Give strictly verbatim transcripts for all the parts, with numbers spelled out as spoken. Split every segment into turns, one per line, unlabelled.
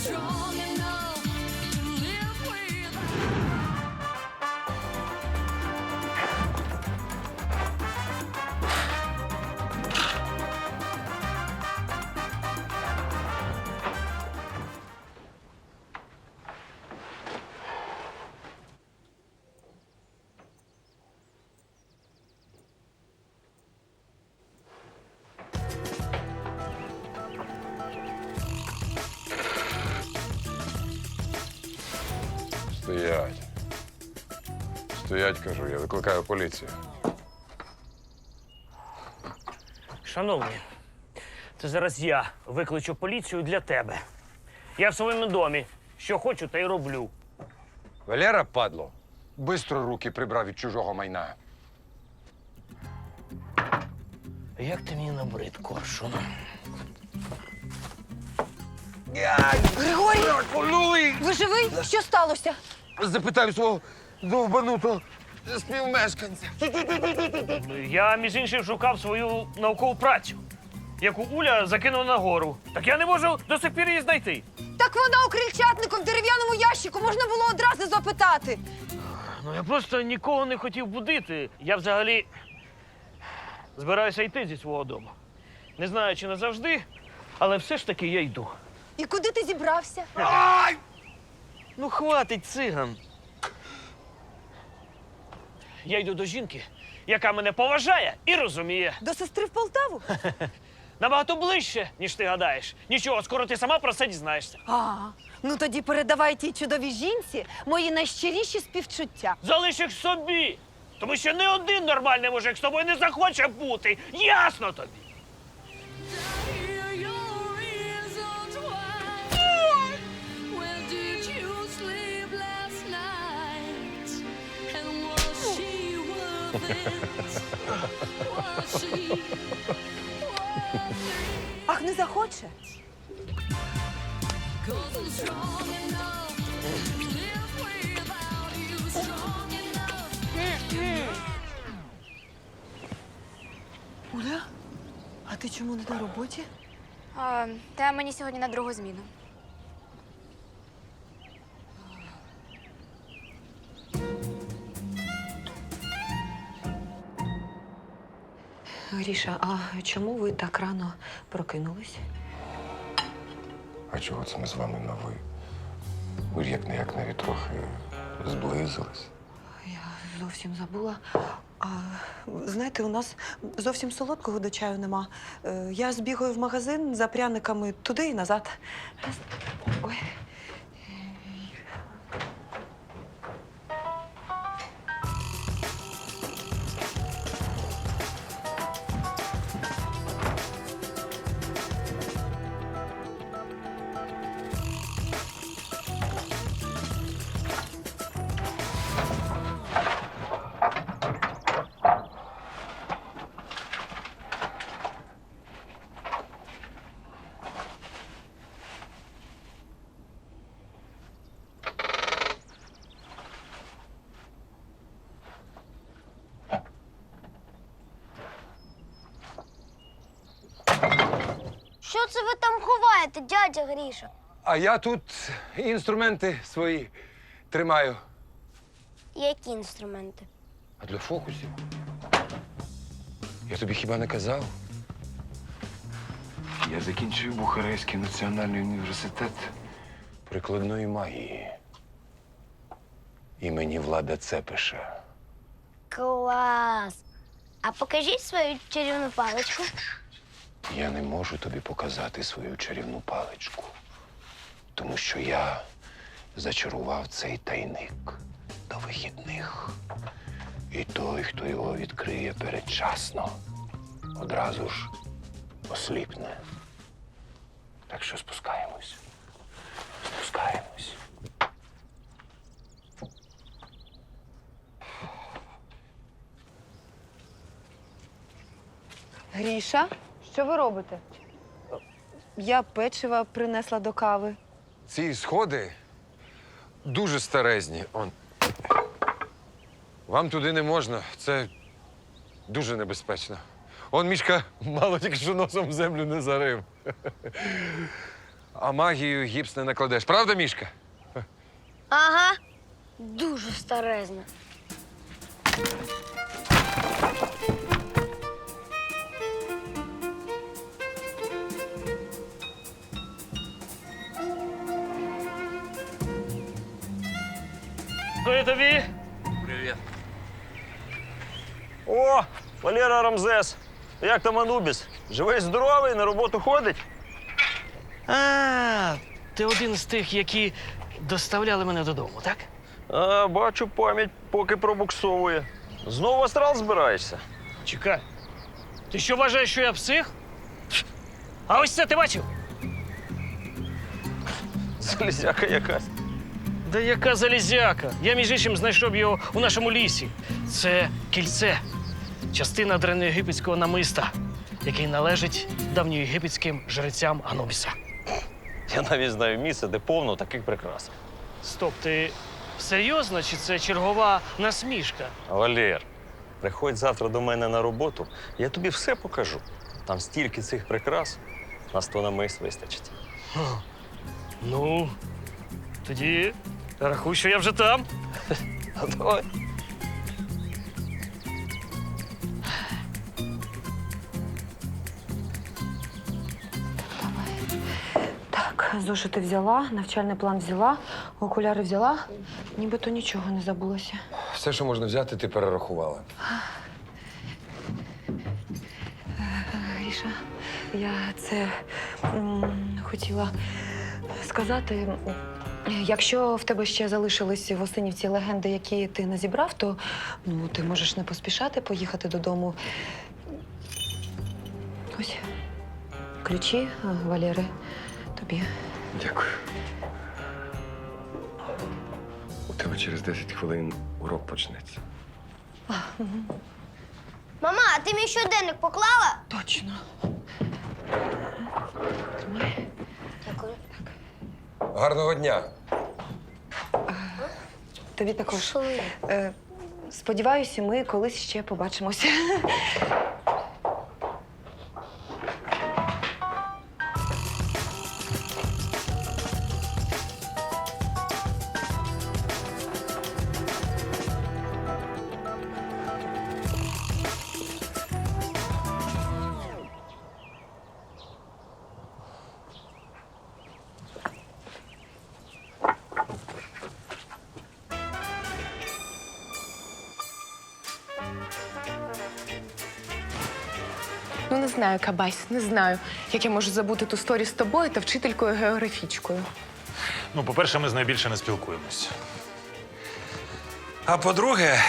Стоять. Стоять, кажу, я викликаю поліцію.
Шановні, це зараз я викличу поліцію для тебе. Я в своєму домі. Що хочу, та й роблю.
Валера, падло, бистро руки прибрав від чужого майна.
Як ти мені набрид, коршун?
Григорій! Ви живий? Що сталося?
Запитаю свого довбанутого співмешканця.
Я, між іншим, шукав свою наукову працю, яку Уля закинула на гору. Так я не можу до сих пір її знайти.
Так вона у крильчатнику в дерев'яному ящику. Можна було одразу запитати.
Ну, я просто нікого не хотів будити. Я взагалі збираюся йти зі свого дому. Не знаю, чи назавжди, але все ж таки я йду.
І куди ти зібрався?
Ну, хватить, циган. Я йду до жінки, яка мене поважає і розуміє.
До сестри в Полтаву?
Набагато ближче, ніж ти гадаєш. Нічого, скоро ти сама про це дізнаєшся.
А, ну тоді передавай тій чудовій жінці мої найщиріші співчуття.
Залиш їх собі, тому що не один нормальний мужик з тобою не захоче бути. Ясно тобі?
Ах, не захоче? Оля, а ти чому не на роботі?
А, та мені сьогодні на другу зміну.
Гріша, а чому ви так рано прокинулись?
А чого це ми з вами на ви? Ви ж як не як навіть трохи зблизились.
Я зовсім забула. А, знаєте, у нас зовсім солодкого до чаю нема. Е, Я збігаю в магазин за пряниками туди і назад. Ой.
Що це ви там ховаєте, дядя Гріша?
А я тут інструменти свої тримаю.
Які інструменти?
А для фокусів? Я тобі хіба не казав? Я закінчив Бухарестський національний університет прикладної магії. Імені Влада Цепиша.
Клас! А покажіть свою чарівну паличку.
Я не можу тобі показати свою чарівну паличку, тому що я зачарував цей тайник до вихідних. І той, хто його відкриє передчасно, одразу ж осліпне. Так що спускаємось. Спускаємось.
Гріша, що ви робите? Я печива принесла до кави.
Ці сходи дуже старезні. Он. Вам туди не можна. Це дуже небезпечно. Он Мішка мало тільки що носом в землю не зарив. А магію гіпс не накладеш, правда, Мішка?
Ага, дуже старезна.
Кої тобі?
О, Валера Рамзес. Як там Анубіс? Живий, здоровий, на роботу ходить?
А, ти один з тих, які доставляли мене додому, так?
А, бачу, пам'ять поки пробуксовує. Знову в астрал збираєшся?
Чекай. Ти що вважаєш, що я псих? А ось це ти бачив?
Залізяка якась.
Да яка залізяка? Я, між іншим, знайшов його у нашому лісі. Це кільце. Частина древньоєгипетського намиста, який належить давньоєгипетським жрецям Анубіса.
Я навіть знаю місце, де повно таких прикрас.
Стоп, ти серйозно, чи це чергова насмішка?
Валер, приходь завтра до мене на роботу, я тобі все покажу. Там стільки цих прикрас, на сто намис вистачить.
Ну, тоді рахуй, що я вже там.
А давай.
Так, зошити взяла, навчальний план взяла, окуляри взяла. Нібито нічого не забулося.
Все, що можна взяти, ти перерахувала.
Гріша, я це м, хотіла сказати. Якщо в тебе ще залишились в Осинівці легенди, які ти не зібрав, то ну, ти можеш не поспішати поїхати додому. Ось ключі, а, Валери, тобі.
Дякую. У тебе через десять хвилин урок почнеться.
Мама, а ти мій щоденник поклала?
Точно. Тримай.
Дякую.
Гарного дня!
Тобі також.
Що ви?
Е, сподіваюся, ми колись ще побачимося.
Ну, не знаю, Кабась, не знаю, як я можу забути ту сторі з тобою та вчителькою географічкою.
Ну, по-перше, ми з нею більше не спілкуємось. А по-друге,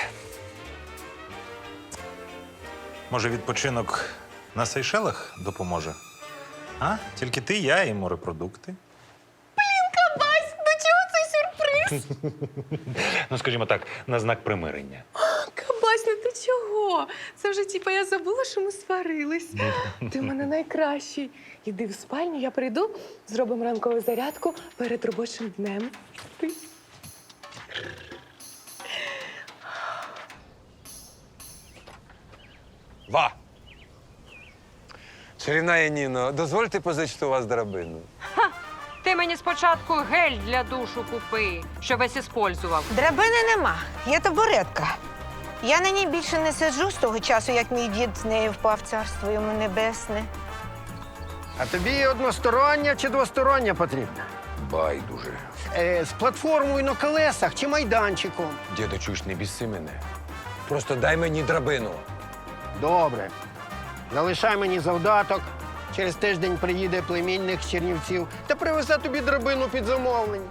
може, відпочинок на Сейшелах допоможе? А? Тільки ти, я і морепродукти.
Кабась, до чого цей сюрприз?
Ну, скажімо так, на знак примирення.
Кабась, ну ти чого? Це вже, типа, я забула, що ми сварились. Ти в мене найкращий. Іди в спальню, я прийду, зробимо ранкову зарядку перед робочим днем. Ти.
Ва! Чарівна Яніно, дозвольте позичити у вас драбину.
Ти мені спочатку гель для душу купи, що весь іспользував.
Драбини нема, є табуретка. Я на ній більше не сиджу з того часу, як мій дід з нею впав в царство йому небесне.
А тобі одностороння чи двостороння потрібна?
Байдуже.
Е, з платформою на колесах чи майданчиком?
Діду, чуєш, не біси мене. Просто дай мені драбину.
Добре. Залишай мені завдаток. Через тиждень приїде племінник з Чернівців та привезе тобі драбину під замовлення.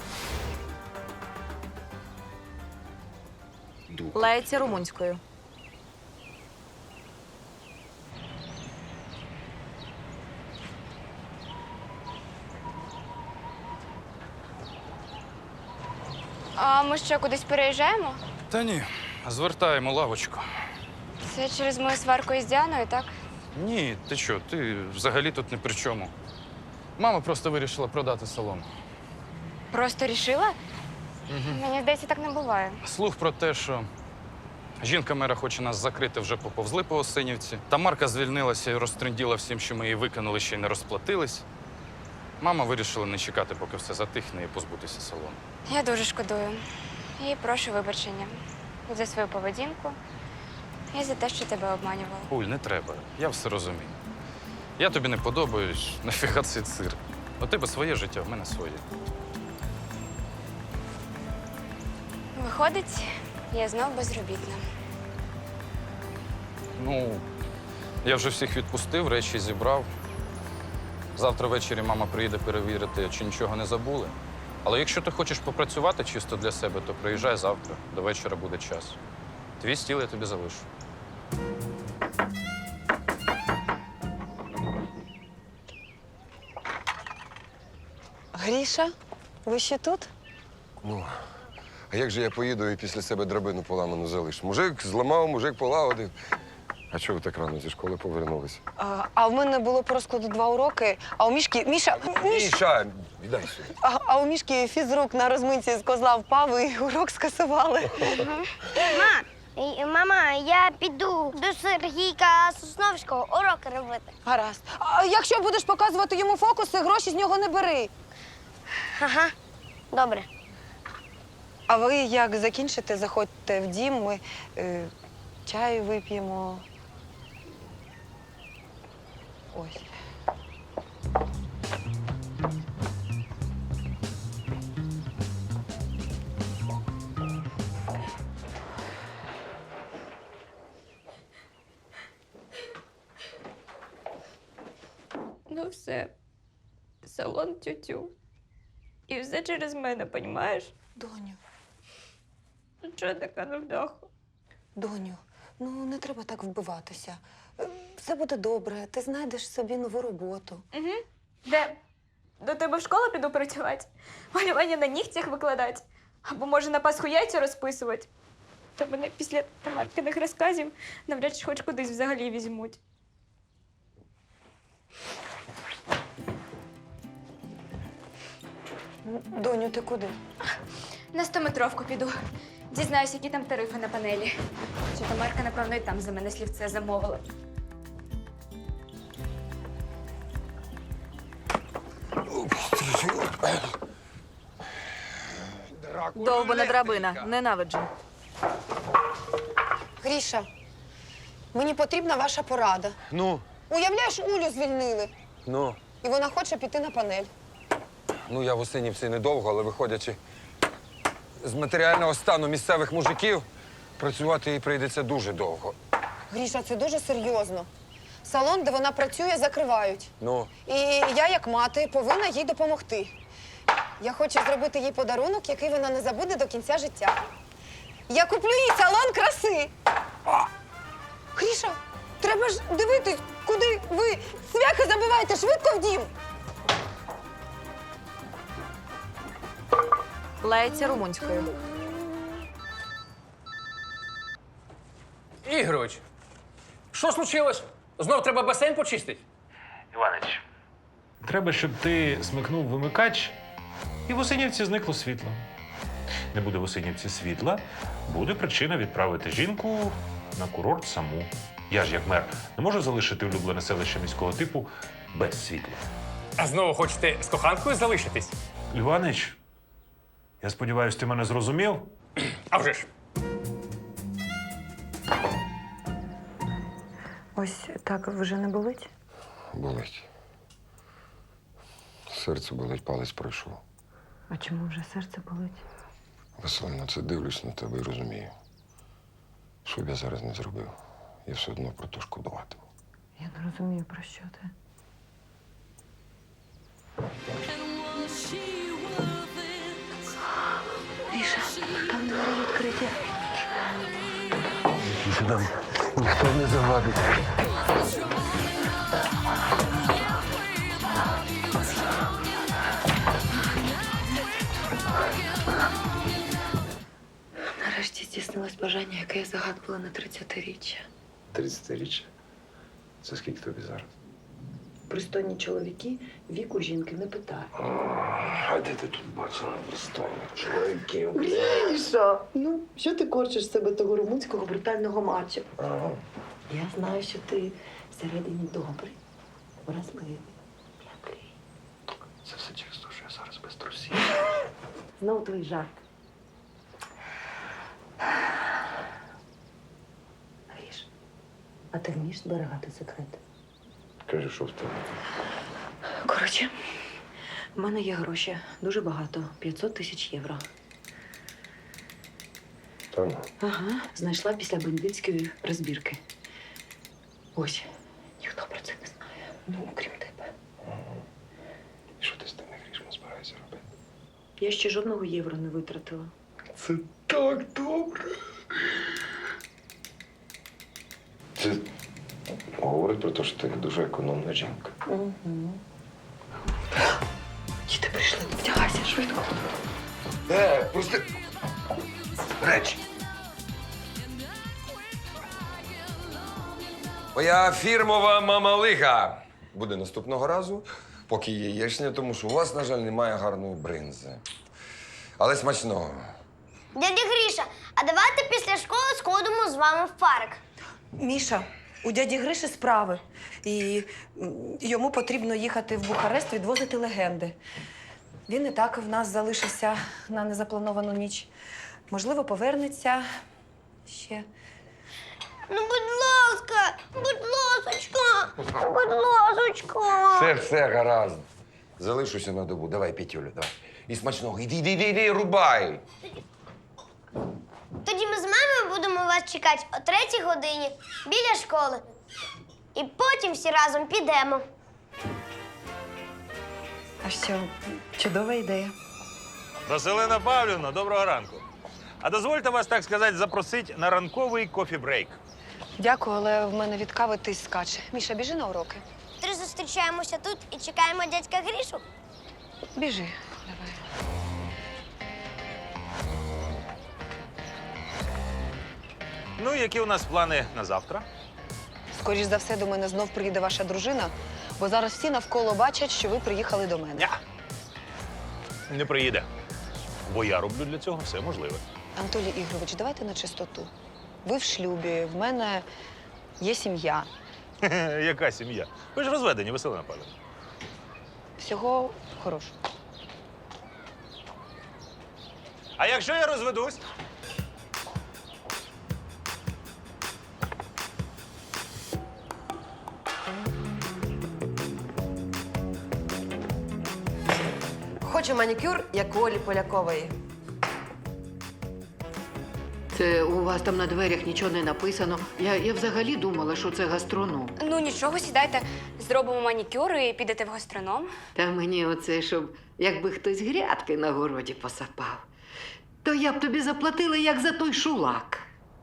Лається румунською.
А ми що, кудись переїжджаємо?
Та ні, звертаємо лавочку.
Це через мою сварку із Діаною, так?
Ні, ти що, ти взагалі тут ні при чому. Мама просто вирішила продати салон.
Просто рішила? Мені здається, так не буває.
Слух про те, що жінка мера хоче нас закрити, вже поповзли по Осинівці. Та Марка звільнилася і розтренділа всім, що ми її викинули, ще й не розплатились. Мама вирішила не чекати, поки все затихне, і позбутися салону.
Я дуже шкодую. І прошу вибачення за свою поведінку і за те, що тебе обманювала.
Уль, не треба. Я все розумію. Я тобі не подобаюсь, нафіга цей цирк. У тебе своє життя, в мене своє.
Виходить, я знов безробітна.
Ну, я вже всіх відпустив, речі зібрав. Завтра ввечері мама приїде перевірити, чи нічого не забули. Але якщо ти хочеш попрацювати чисто для себе, то приїжджай завтра. До вечора буде час. Твій стіл я тобі залишу.
Гріша, ви ще тут?
Ну, а як же я поїду і після себе драбину поламану залишу? Мужик зламав, мужик полагодив. А чого ви так рано зі школи повернулися?
А, а в мене було по розкладу два уроки, а у Мішки... Міша, Міш...
Міша, віддай сюди.
А, а у Мішки фізрук на розминці з козла впав і урок скасували.
Ма, і- мама, я піду до Сергійка Сосновського уроки робити.
Гаразд. А якщо будеш показувати йому фокуси, гроші з нього не бери.
Ага, добре.
А ви як закінчите, заходьте в дім, ми е, чаю вип'ємо. Ось.
Ну все. Салон тютю. І все через мене, понімаєш?
Доню,
Ну чого така невдаха?
доню, ну не треба так вбиватися. Е, Все буде добре, ти знайдеш собі нову роботу.
Угу. Де? До тебе в школу піду працювати? Малювання на нігтях викладати? Або може на Пасху яйця розписувати? Та мене після Тамаркиних розказів навряд чи хоч кудись взагалі візьмуть.
Доню, ти куди?
На стометровку піду. Дізнаюсь, які там тарифи на панелі. Чи Тамарка, напевно, і там за мене слівце замовила.
Довбана драбина, ненавиджу. Гріша, мені потрібна ваша порада.
Ну,
Уявляєш, Улю звільнили,
ну,
і вона хоче піти на панель.
ну я в Осинівці недовго, але виходячи з матеріального стану місцевих мужиків, працювати їй прийдеться дуже довго.
Гріша, це дуже серйозно. Салон, де вона працює, закривають.
Ну,
І я, як мати, повинна їй допомогти. Я хочу зробити їй подарунок, який вона не забуде до кінця життя. Я куплю їй салон краси. Гріша, треба ж дивитись, куди ви цвяхи забиваєте, швидко в дім.
Лається румунською.
Ігорович, що случилось? Знов треба басейн почистити?
Іванич, треба, щоб ти смикнув вимикач, і в Осинівці зникло світло. Не буде в Осинівці світла, буде причина відправити жінку на курорт саму. Я ж, як мер, не можу залишити улюблене селище міського типу без світла.
А знову хочете з коханкою залишитись?
Іванич, я сподіваюся, ти мене зрозумів?
А вже ж.
Ось так вже не болить?
болить. Серце болить, палець пройшов.
А чому вже серце болить?
Василина, це дивлюсь на тебе і розумію. Що б я зараз не зробив, я все одно про то шкодуватиму.
Я не розумію, про що ти. Гріша, там двері відкриті.
Там ніхто не завадить.
Нарешті здійснилось бажання, яке я загадувала на тридцятиріччя.
тридцятиріччя? Це скільки тобі зараз?
Пристойні чоловіки віку жінки не питають.
А де ти тут бачила пристойних чоловіків?
Гріша, ну що ти корчиш з себе того румунського брутального мачо?
Ага.
Я знаю, що ти всередині добрий, вразливий, м'який.
Це все через те, що я зараз без трусів.
Знову твій жарт. Гріш, а ти вмієш зберігати секрети?
Кажи, що в тебе?
Коротше, в мене є гроші. Дуже багато. п'ятсот тисяч євро.
Та ну.
Ага, знайшла після бандитської розбірки. Ось, ніхто про це не знає. Ну, окрім тебе.
І що ти з тими грішми збираєшся робити?
Я ще жодного євро не витратила.
Це так добре. Це говорить про те, що ти дуже економна жінка.
Угу. Діти прийшли, вдягайся швидко.
Е, пусти. Речі.
Моя фірмова мамалига буде наступного разу, поки є яєчня, тому що у вас, на жаль, немає гарної бринзи. Але смачного.
Дядя Гріша, а давайте після школи сходимо з вами в парк.
Міша, у дяді Гриші справи. І м, йому потрібно їхати в Бухарест відвозити легенди. Він і так в нас залишився на незаплановану ніч. Можливо, повернеться ще.
Ну, будь ласка, будь ласочка, будь ласочка.
Все, все, гаразд. Залишуся на добу. Давай, Петюлю, давай. І смачного. Іди, іди, іди, іди, рубай.
Тоді ми з мамою будемо вас чекати о третій годині біля школи. І потім всі разом підемо.
А що, чудова ідея.
Василина Павлівна, доброго ранку. А дозвольте вас, так сказати, запросити на ранковий кофі-брейк.
Дякую, але в мене від кави тиск скаче. Міша, біжи на уроки.
Три зустрічаємося тут і чекаємо дядька Грішу.
Біжи. Давай.
Ну, які у нас плани на завтра?
Скоріш за все, до мене знов приїде ваша дружина, бо зараз всі навколо бачать, що ви приїхали до мене.
Ня. Не приїде. Бо я роблю для цього все можливе.
Анатолій Ігорович, давайте на чистоту. Ви в шлюбі, в мене є сім'я.
Яка сім'я? Ви ж розведені, Василина Павлівна.
Всього хорошого.
А якщо я розведусь?
Хочу манікюр, як у Олі Полякової.
Це у вас там на дверях нічого не написано. Я, я взагалі думала, що це гастроном.
Ну нічого, сідайте, зробимо манікюр і підете в гастроном.
Та мені оце, щоб якби хтось грядки на городі посапав, то я б тобі заплатила, як за той шулак.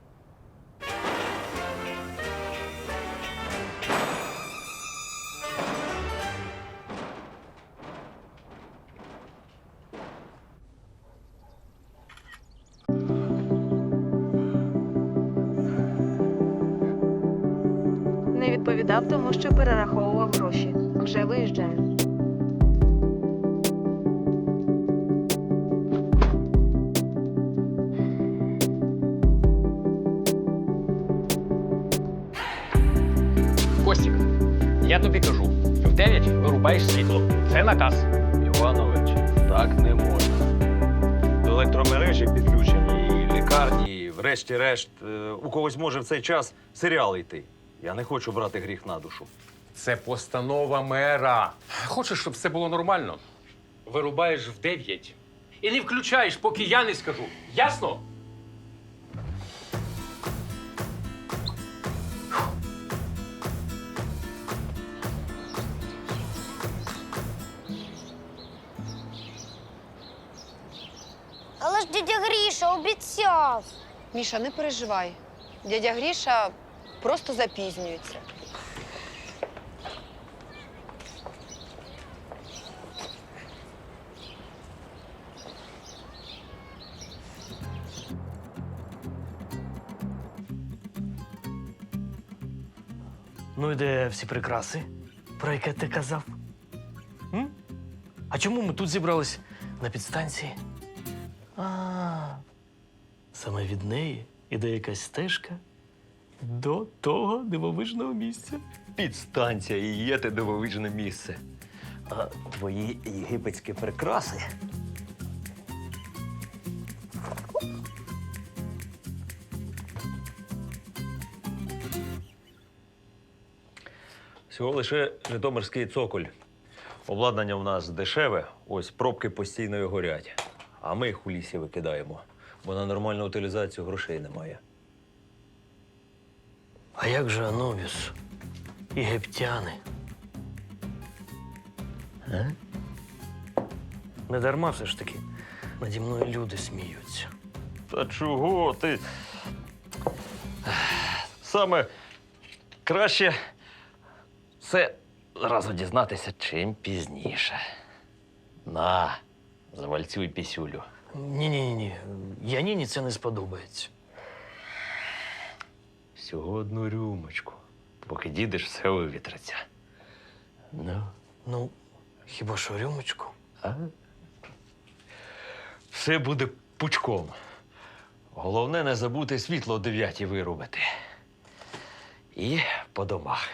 Не відповідав, тому що перераховував гроші. Вже виїжджаю.
Костік, я тобі кажу, в дев'ять вирубаєш світло. Це наказ.
Іванович, так не можна. До електромережі підключені і лікарні, і врешті-решт, е, у когось може в цей час серіал йти. Я не хочу брати гріх на душу.
Це постанова мера. Хочеш, щоб все було нормально? Вирубаєш в дев'ять. І не включаєш, поки я не скажу. Ясно?
Але ж дядя Гріша обіцяв.
Міша, не переживай. Дядя Гріша просто запізнюється.
Ну і де всі прикраси, про яке ти казав? М? А чому ми тут зібрались на підстанції? А, саме від неї іде якась стежка до того дивовижного місця.
Підстанція і є те дивовижне місце. А твої єгипетські прикраси. Всього лише житомирський цоколь. Обладнання в нас дешеве, ось пробки постійно горять. А ми їх у лісі викидаємо, бо на нормальну утилізацію грошей немає.
А як же Анубіс? Єгиптяни? А? Не дарма все ж таки наді мною люди сміються.
Та чого ти? Саме краще це зразу дізнатися чим пізніше. На, завальцюй пісюлю.
Ні-ні-ні, Яніні це не сподобається.
Всього одну рюмочку. Поки дідеш, все вивітриться. Ну,
Ну, хіба що рюмочку?
а? Все буде пучком. Головне не забути світло о дев'ятій вирубити. І по домах.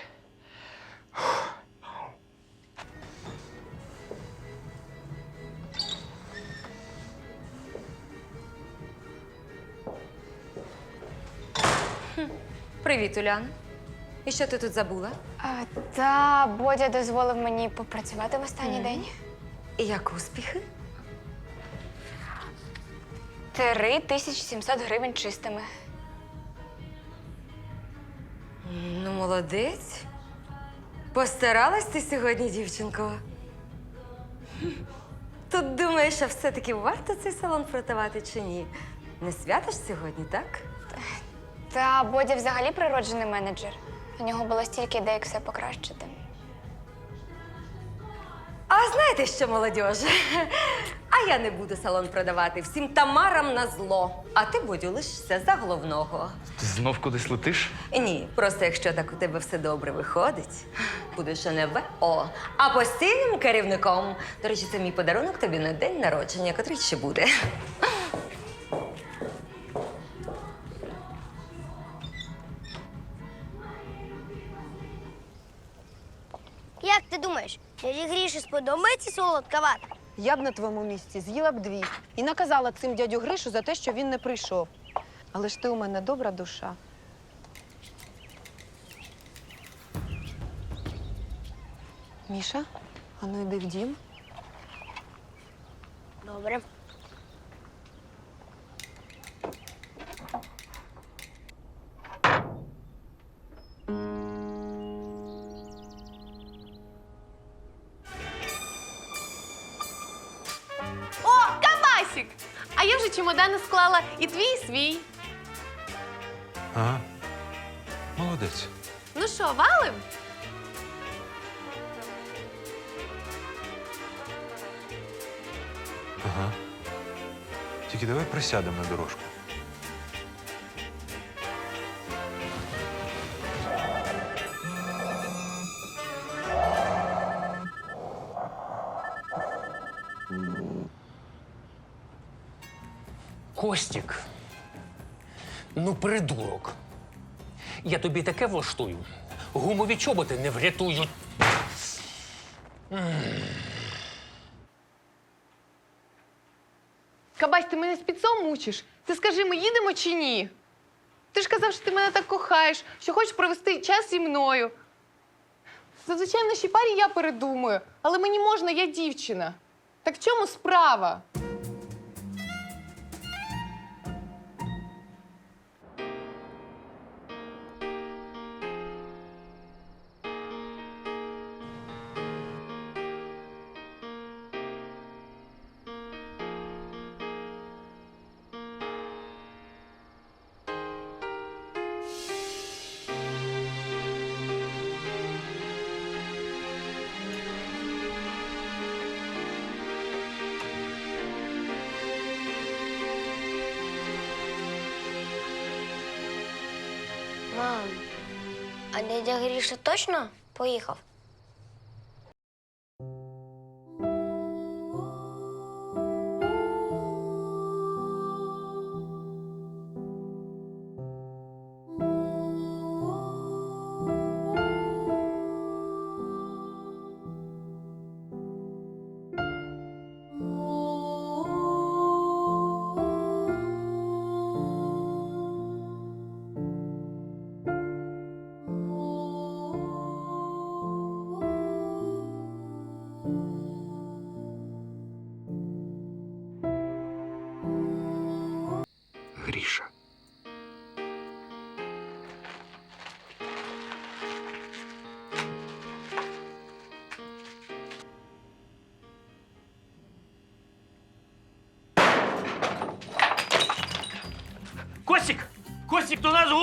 Привіт, Улян. І що ти тут забула?
А, та Бодя дозволив мені попрацювати в останній день.
І як успіхи?
Три тисячі сімсот гривень чистими.
Ну, молодець. Постаралась ти сьогодні, дівчинко. Хм. Тут думаєш, а все-таки варто цей салон продавати чи ні? Не святиш сьогодні, так?
Та Бодя взагалі природжений менеджер. У нього було стільки ідей, як все покращити.
А знаєте що, молодіж? А я не буду салон продавати всім тамарам на зло. А ти, Бодю, лишишся за головного.
Ти знов кудись летиш?
Ні, просто якщо так у тебе все добре виходить, будеш не ВО, а постійним керівником. До речі, це мій подарунок тобі на день народження, котрий ще буде.
Як ти думаєш, дяді Гріші сподобається солодка вата?
Я б на твоєму місці з'їла б дві і наказала цим дядю Гришу за те, що він не прийшов. Але ж ти у мене добра душа. Міша, а ну йди в дім.
Добре.
О, Кабасік! А я вже чемодани склала і твій, і свій.
Ага. Молодець.
Ну що, валим?
Ага. Тільки давай присядемо на дорожку.
Костік, ну придурок. Я тобі таке влаштую. Гумові чоботи не врятують.
Кабась, ти мене спецом мучиш? Ти скажи, ми їдемо чи ні? Ти ж казав, що ти мене так кохаєш, що хочеш провести час зі мною. Зазвичай в нашій парі я передумаю, але мені можна, я дівчина. Так в чому справа?
Мам, а дядя Гріша точно поїхав?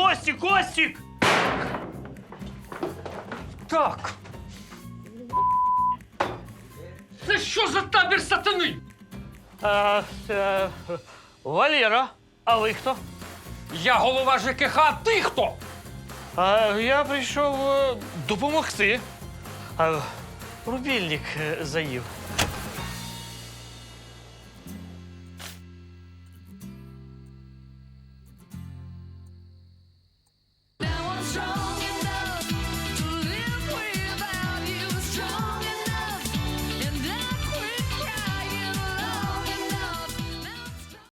Костік, Костік!
Так. Це що за табір сатани?
А, е, Валера, а ви хто?
Я голова ЖКХ, а ти хто?
А я прийшов е, допомогти. А, рубільник е, заїв.